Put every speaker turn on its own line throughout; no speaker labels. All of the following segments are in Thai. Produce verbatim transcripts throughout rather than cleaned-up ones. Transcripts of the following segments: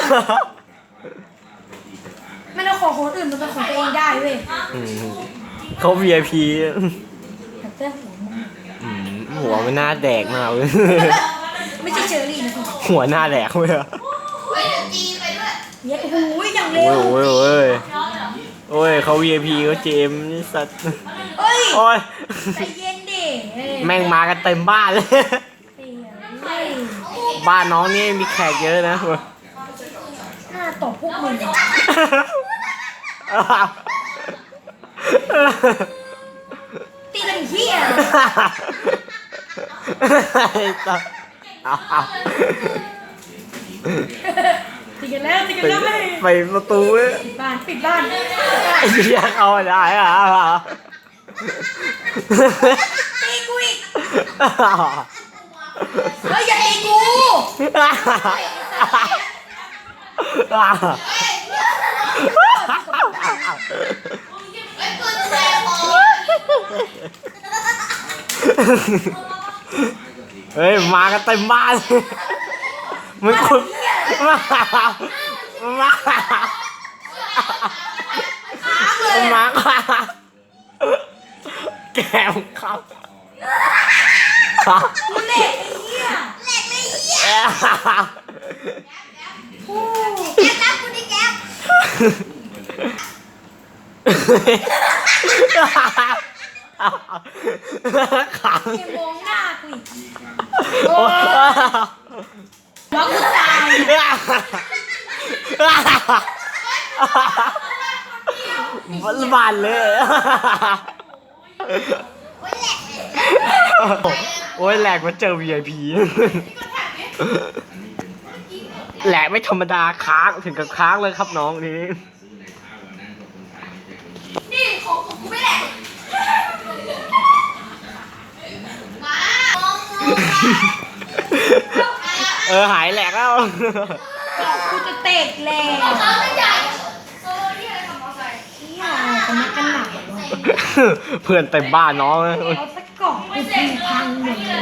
ไม่ต้องของคนอื่นมันเป็นของตัวเองได้เว้ย
เขา วี ไอ พี
แต่เต้หัวมึง
หัวมันหน้าแดกมากเลย
ไม่ใช่เชอรี่นะคุณ
หัวหน้าแดกเลยอะ
เฮ้ยเดี๋ยวจีไปด้วย
เยอะโอ้ยอย่างเร็ว
โอ้ยโอ้ยโอ้ยเขา วี ไอ พี เขาเจมนี่สัตว์
เอ้ย
โอ้ย
ใจเย็นดิ
แม่งมากันเต็มบ้านเลยบ้านน้องนี่มีแขกเยอะนะ
หน้าตบพวกมึงตีกันเหี้ยตีกันแล้วตีกันแล้วไม่
ไปประตูเว้ย
ปิดบ้านปิดบ้าน
ไอ้เหี้ยเอาได้อะ
ตีกูอีกเฮ้ยอย่าตีกู
เฮ้ยมากันเต็มบ้านมึงคุณมามามาแกมครับ
กูเล็กไอ้เหี้ย
แหลกเลยเหี้ยแก๊ปรับกูดิแก๊ป
ขัง
เกมมองหน้ากูอีกโอ้ว่ากูตาย
วันบานเลยโอ้ยแหลกมาเจอ วี ไอ พี แหลกไม่ธรรมดาค้างถึงกับค้างเลยครับน้องนี้
นี่ของผมกูไม่แหลก
เออหายแหลกแล้ว
กูจะเตะแล้ว
เขาไม่ใหญ่เออ
นี่อะไรทำเอาใส่เหี้ยกันนักกันหนัก
เพื่อนเต็มบ้านน้อง
เอาสักกล่องกูทิ้งพังหมดเลย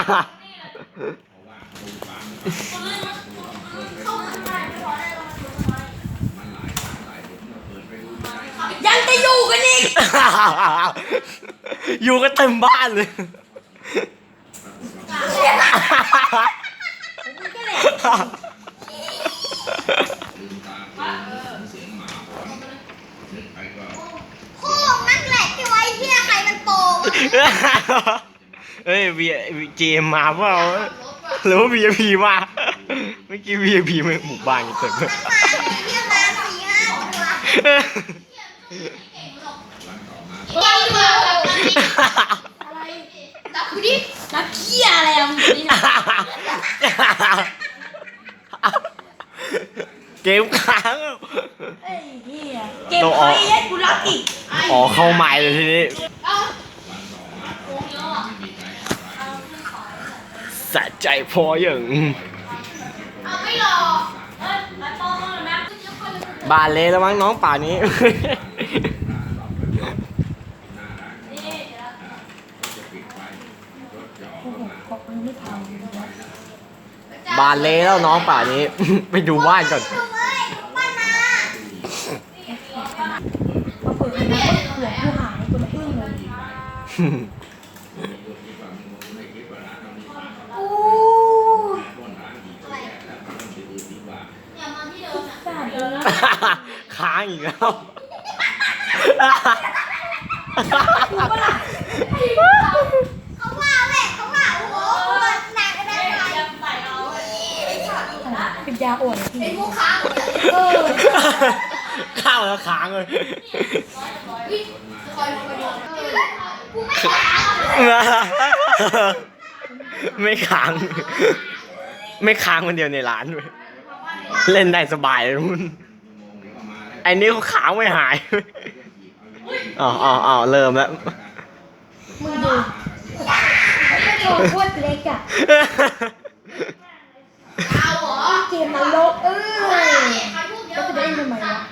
ยังจะอยู่กันอีก
อยู่กันเต็มบ้านเลย
โค้งนั่งแหลกที่ไว้เหี้ยใครมันโปง
เฮ้ยวีเจมมาเปล่าหรือว่า วี ไอ พี มาเมื่อกี้ วี ไอ พี มาหมู่บ้านกันเต็มเลย
เหี้ยมาสี่ห้าตัวอะไรดับกูดิ
นักเหี้ยอะไรอ่ะมึงนี่นะ
เกมค้าง
เฮ้ยเหี้ยเกมไฟเย็ดกูรักอีก
อ๋อเข้าใหม่เลยทีนี้สะใจพออย่างบานเลยแล้วมั้งน้องป่านี้บานเลยแล้วน้องป่านี้ไปดูบ้านก่อน
มาเปิดนะหัวกูหายกูละอึ้งเลย
ค้างอีกแล้ว
เขาว่าแม่เขาว่าโอ้โหหนักกันได้ไหม
เป็นยาอ่อน
ไอ้พวกค้าง
เออ
ข้าวแล้วค้างเลยไม่ค้างไม่ค้างคนเดียวในร้านเลยเล่นได้สบายเลยคุณไอ้นี่เขาขาวไม่หายอ๋ออ๋ออ๋อเริ่มแล้ว
มึงดูโชว์โคตรเล็กอ่ะ
เอาเหรอ
เกมนรกเอ้ยแล้วจะได้ทำไมวะ